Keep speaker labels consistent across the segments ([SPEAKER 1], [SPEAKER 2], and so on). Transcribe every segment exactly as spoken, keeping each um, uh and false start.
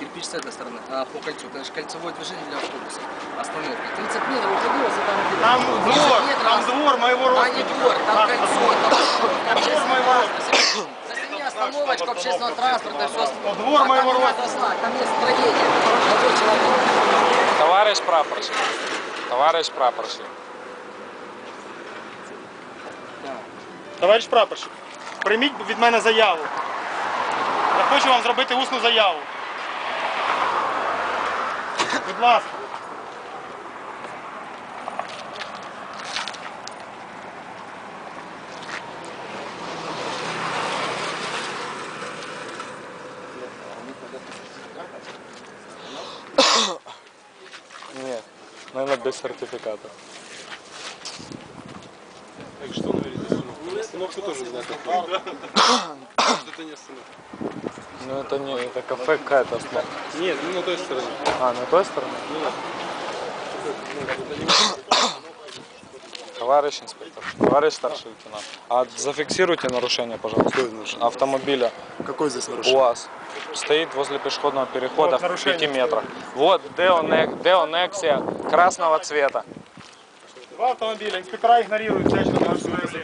[SPEAKER 1] кирпич с этой стороны, а по кольцу. Это же кольцевое движение для автобуса. Остановка. тридцать метров уходило за там.
[SPEAKER 2] Там двор, там двор моего роста.
[SPEAKER 1] А не двор, там кольцо, там двор моего роста. Засеми остановочку общественного транспорта, все.
[SPEAKER 2] Двор моего роста.
[SPEAKER 1] Там есть строение.
[SPEAKER 3] Товарищ прапорщик. Товарищ прапорщик.
[SPEAKER 2] Товариш прапорщик, прийміть від мене заяву. Я хочу вам зробити усну заяву. Будь ласка.
[SPEAKER 3] Нет, наверное, без сертификата.
[SPEAKER 4] Так что говорите? Остановка тоже знает. Это не остановка.
[SPEAKER 3] Ну это не, это кафе какая-то остановка.
[SPEAKER 4] Нет, ну на той стороне.
[SPEAKER 3] А, на той стороне? Товарищ инспектор, товарищ старший лейтенант, а зафиксируйте нарушение, пожалуйста, автомобиля.
[SPEAKER 4] Какой здесь нарушение?
[SPEAKER 3] УАЗ. Стоит возле пешеходного перехода
[SPEAKER 2] Вот,
[SPEAKER 3] в пяти метрах. Вот Део Нексия красного цвета.
[SPEAKER 2] Два автомобиля, инспектора игнорируют всячески наши заявления.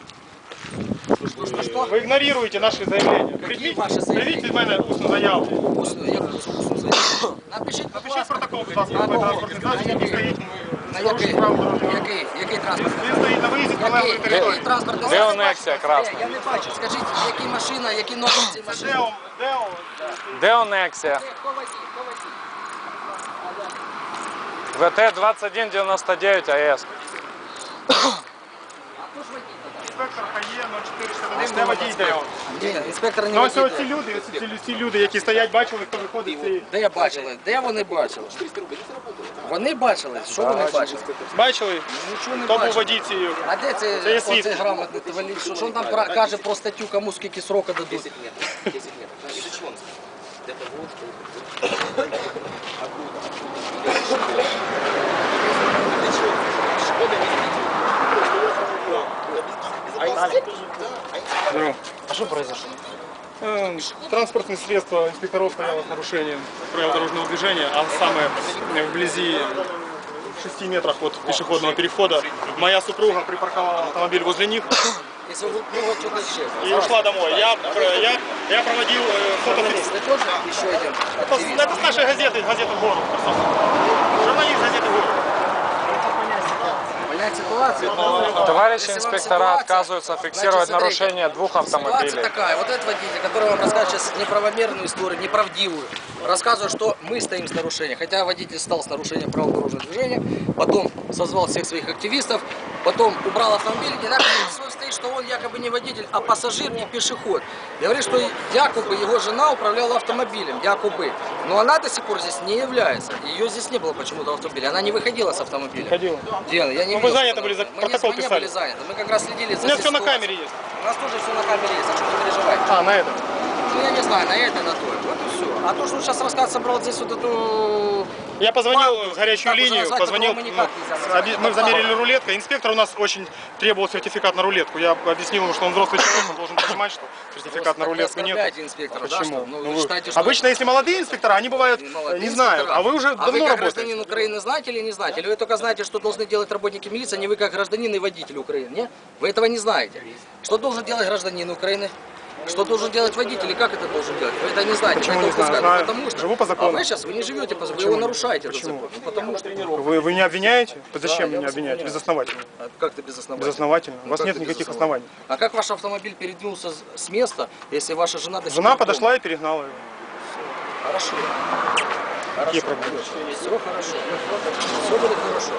[SPEAKER 2] Вы игнорируете наши заявления. Приведите в мене усну заяву.
[SPEAKER 1] Напишіть,
[SPEAKER 2] Напишіть протокол, будь ласка, по транспортній засобі, який стоїть
[SPEAKER 1] на
[SPEAKER 2] з порушенням правил дорожнього руху.
[SPEAKER 1] який, який транспорт?
[SPEAKER 2] Він стоїть на виїзді з прилеглої
[SPEAKER 1] Який
[SPEAKER 2] території.
[SPEAKER 1] транспорт?
[SPEAKER 3] Део Нексия красна.
[SPEAKER 1] Я не бачу. Скажіть, які машина, які номер цієї машини?
[SPEAKER 2] Део, Део.
[SPEAKER 3] Део Нексия.
[SPEAKER 1] Хто водій? Хто водій?
[SPEAKER 3] ВТ двадцать один девяносто девять АЭС.
[SPEAKER 2] Інспектор ХАЄ нуль чотири шістдесят один, де водій Део.
[SPEAKER 1] Ні, інспектор не
[SPEAKER 2] Ну ось
[SPEAKER 1] водій.
[SPEAKER 2] ці люди, ось ці, ці люди, які стоять, бачили, хто виходить з цієї...
[SPEAKER 1] Де я бачила? Де вони бачили? Вони бачили? Що вони бачили?
[SPEAKER 2] Бачили?
[SPEAKER 1] Нічого не
[SPEAKER 2] Хто був
[SPEAKER 1] бачили.
[SPEAKER 2] водій цієї?
[SPEAKER 1] А де
[SPEAKER 2] Це є
[SPEAKER 1] це,
[SPEAKER 2] свідки.
[SPEAKER 1] оцей грамотний товариш? Що, що він там про- каже про статтю, кому скільки срока дадуть?
[SPEAKER 5] десять метров. десять метров. Из-за чего он стоит? Для того, чтобы... Для чего? Шкода не
[SPEAKER 2] А что произошло? Транспортное средство инспекторов стояло с нарушением правил дорожного движения, а самое вблизи в шести метрах от пешеходного перехода моя супруга припарковала автомобиль возле них
[SPEAKER 1] Если вы ну, вот что-то исчезло.
[SPEAKER 2] и ушла домой. Я, я, я проводил э, фото.
[SPEAKER 1] Журналист, вы тоже еще один?
[SPEAKER 2] Это, это с нашей газеты, газеты «Город». Журналист газеты «Город».
[SPEAKER 1] Понять ситуацию.
[SPEAKER 3] Товарищи
[SPEAKER 1] Если вам
[SPEAKER 3] инспектора
[SPEAKER 1] ситуация-
[SPEAKER 3] отказываются фиксировать
[SPEAKER 1] Значит, смотрите,
[SPEAKER 3] нарушение двух
[SPEAKER 1] Ситуация
[SPEAKER 3] автомобилей.
[SPEAKER 1] такая. Вот этот водитель, который вам расскажет сейчас неправомерную историю, неправдивую, рассказывает, что мы стоим с нарушением. Хотя водитель стал с нарушением правил дорожного движения, потом созвал всех своих активистов, потом убрал автомобиль и написано стоит, что он якобы не водитель, а пассажир и пешеход. И говорит, что якобы его жена управляла автомобилем, якобы. Но она до сих пор здесь не является. Ее здесь не было почему-то в автомобиле. Она не выходила с автомобиля.
[SPEAKER 2] Выходила.
[SPEAKER 1] Дело, я не
[SPEAKER 2] Ну, вы
[SPEAKER 1] видел,
[SPEAKER 2] заняты
[SPEAKER 1] что
[SPEAKER 2] были, за-
[SPEAKER 1] она- мы
[SPEAKER 2] протокол
[SPEAKER 1] не, мы не
[SPEAKER 2] писали.
[SPEAKER 1] были заняты. Мы как раз следили за
[SPEAKER 2] У меня все на
[SPEAKER 1] ситуацией.
[SPEAKER 2] камере есть.
[SPEAKER 1] У нас тоже все на камере есть, а что вы переживаете?
[SPEAKER 2] А, на этом.
[SPEAKER 1] Ну я не знаю, на это, на то. Вот и все. А то, что он сейчас рассказ собрал здесь вот эту...
[SPEAKER 2] Я позвонил
[SPEAKER 1] Палку,
[SPEAKER 2] в горячую
[SPEAKER 1] как уже
[SPEAKER 2] линию,
[SPEAKER 1] назвать,
[SPEAKER 2] позвонил,
[SPEAKER 1] которого мы никак
[SPEAKER 2] ну,
[SPEAKER 1] нельзя назвать.
[SPEAKER 2] оби- мы замерили рулетку. Инспектор у нас очень требовал сертификат на рулетку. Я объяснил ему, что он взрослый человек, он должен понимать, что сертификат на рулетку нет.
[SPEAKER 1] Оскорбляете инспектора, да,
[SPEAKER 2] Почему?
[SPEAKER 1] что? Ну,
[SPEAKER 2] Ну,
[SPEAKER 1] вы
[SPEAKER 2] вы-
[SPEAKER 1] считаете, что...
[SPEAKER 2] Обычно, если молодые инспектора, они бывают
[SPEAKER 1] Не
[SPEAKER 2] э,
[SPEAKER 1] молодые
[SPEAKER 2] не знают,
[SPEAKER 1] инспектора.
[SPEAKER 2] а вы уже
[SPEAKER 1] А
[SPEAKER 2] давно
[SPEAKER 1] вы как
[SPEAKER 2] работаете.
[SPEAKER 1] гражданин Украины знаете или не знаете? Или вы только знаете, что должны делать работники милиции, а не вы как гражданин и водитель Украины? Не? Вы этого не знаете. Что должен делать гражданин Украины? Что должен делать водитель и как это должен делать? Вы это не знаете.
[SPEAKER 2] Почему
[SPEAKER 1] вы
[SPEAKER 2] не
[SPEAKER 1] это
[SPEAKER 2] знаю?
[SPEAKER 1] упускаете.
[SPEAKER 2] Знаю.
[SPEAKER 1] Потому что...
[SPEAKER 2] Живу по закону.
[SPEAKER 1] А вы сейчас, вы не живете по закону, вы
[SPEAKER 2] Почему?
[SPEAKER 1] его нарушаете. этот
[SPEAKER 2] Почему?
[SPEAKER 1] закон. Ну, потому что...
[SPEAKER 2] Вы, вы меня обвиняете? Зачем
[SPEAKER 1] я
[SPEAKER 2] меня
[SPEAKER 1] вас
[SPEAKER 2] обвиняете?
[SPEAKER 1] обвиняю.
[SPEAKER 2] Безосновательно.
[SPEAKER 1] А как ты без оснований?
[SPEAKER 2] Безосновательно. У
[SPEAKER 1] Ну,
[SPEAKER 2] вас
[SPEAKER 1] как
[SPEAKER 2] нет
[SPEAKER 1] ты без
[SPEAKER 2] никаких
[SPEAKER 1] оснований?
[SPEAKER 2] оснований.
[SPEAKER 1] А как ваш автомобиль передвинулся с- с места, если ваша жена до сих
[SPEAKER 2] Жена
[SPEAKER 1] пор дома?
[SPEAKER 2] подошла и перегнала его.
[SPEAKER 1] Хорошо.
[SPEAKER 2] Какие
[SPEAKER 1] Хорошо.
[SPEAKER 2] проблемы?
[SPEAKER 1] Все хорошо. Все будет хорошо.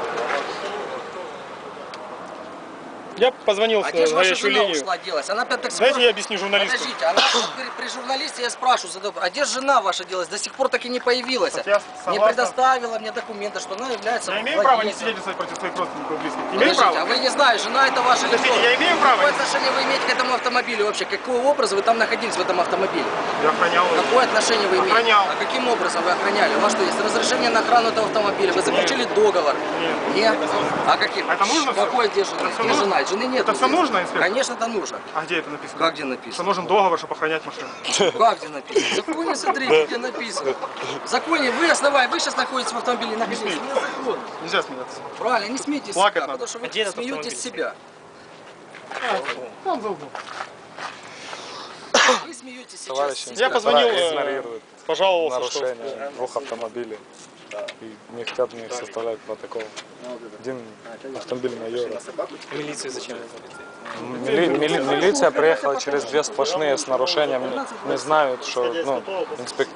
[SPEAKER 2] Я позвонил
[SPEAKER 1] А
[SPEAKER 2] в
[SPEAKER 1] где же ваша
[SPEAKER 2] горячую
[SPEAKER 1] жена
[SPEAKER 2] линию.
[SPEAKER 1] ушла делась? Она опять так
[SPEAKER 2] Знаете, я объясню журналисту.
[SPEAKER 1] Подождите, она вот при, при журналисте я спрашиваю, задаю, а где жена ваша делась? До сих пор так и не появилась.
[SPEAKER 2] Так я
[SPEAKER 1] Не
[SPEAKER 2] согласна.
[SPEAKER 1] предоставила мне документы, что она является
[SPEAKER 2] Я имею право не
[SPEAKER 1] владельцем.
[SPEAKER 2] свидетельствовать против своих родственников и близких? Имею
[SPEAKER 1] Подождите, а
[SPEAKER 2] право?
[SPEAKER 1] вы не знаете, жена это ваша
[SPEAKER 2] Подождите,
[SPEAKER 1] лицо.
[SPEAKER 2] я имею право?
[SPEAKER 1] Какое отношение вы имеете к этому автомобилю вообще? Какой образ вы там находились в этом автомобиле?
[SPEAKER 2] Я охранял его.
[SPEAKER 1] Какое отношение вы имеете?
[SPEAKER 2] Охранял.
[SPEAKER 1] А каким образом вы охраняли? У вас что, есть разрешение на охрану этого автомобиля? Вы заключили договор?
[SPEAKER 2] Нет.
[SPEAKER 1] Нет? А каким?
[SPEAKER 2] А это нужно всё?
[SPEAKER 1] Какой где жена?
[SPEAKER 2] Это всё
[SPEAKER 1] Где
[SPEAKER 2] нужно?
[SPEAKER 1] жена? Нет, жены нет.
[SPEAKER 2] Это все
[SPEAKER 1] здесь.
[SPEAKER 2] нужно, инспектор?
[SPEAKER 1] Конечно, это нужно.
[SPEAKER 2] А где это написано?
[SPEAKER 1] Как где
[SPEAKER 2] Что
[SPEAKER 1] написано?
[SPEAKER 2] нужен договор, чтобы охранять машину.
[SPEAKER 1] Как где написано? В законе смотрите, где написано. В законе вы основали, вы сейчас находитесь в автомобиле, написано.
[SPEAKER 2] смейте.
[SPEAKER 1] Незаконно.
[SPEAKER 2] Нельзя смеяться.
[SPEAKER 1] Правильно, не смейтесь
[SPEAKER 2] Плакать
[SPEAKER 1] себя,
[SPEAKER 2] надо.
[SPEAKER 1] потому что вы
[SPEAKER 6] Где этот
[SPEAKER 1] смеетесь с себя.
[SPEAKER 2] Там за углом.
[SPEAKER 1] Вы смеетесь сейчас
[SPEAKER 3] Товарищи
[SPEAKER 1] с себя.
[SPEAKER 2] Я позвонил, э,
[SPEAKER 3] игнорируют
[SPEAKER 2] Пожаловался, что...
[SPEAKER 3] нарушение двух автомобилей. И не хотят мне составлять протокол. Один автомобиль майора.
[SPEAKER 6] Милицию зачем вызвали?
[SPEAKER 3] Мили- мили- милиция приехала через две сплошные с нарушением. Не знают, что ну, инспектор.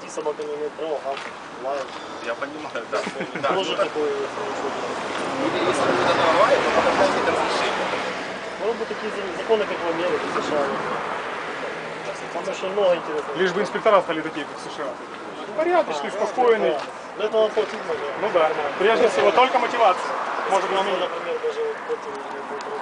[SPEAKER 4] Я понимаю, да.
[SPEAKER 7] Тоже такое.
[SPEAKER 4] Если будет это авария, то надо получить разрешение.
[SPEAKER 7] Может быть, такие законы, как в Америке, в США. Там очень много интересного.
[SPEAKER 2] Лишь бы инспектора стали такие, как в США. Порядочный, спокойный.
[SPEAKER 7] Для этого платить надо.
[SPEAKER 2] Ну да. Прежде всего, только мотивация может
[SPEAKER 7] Ну,
[SPEAKER 2] изменить.
[SPEAKER 7] например, даже вот против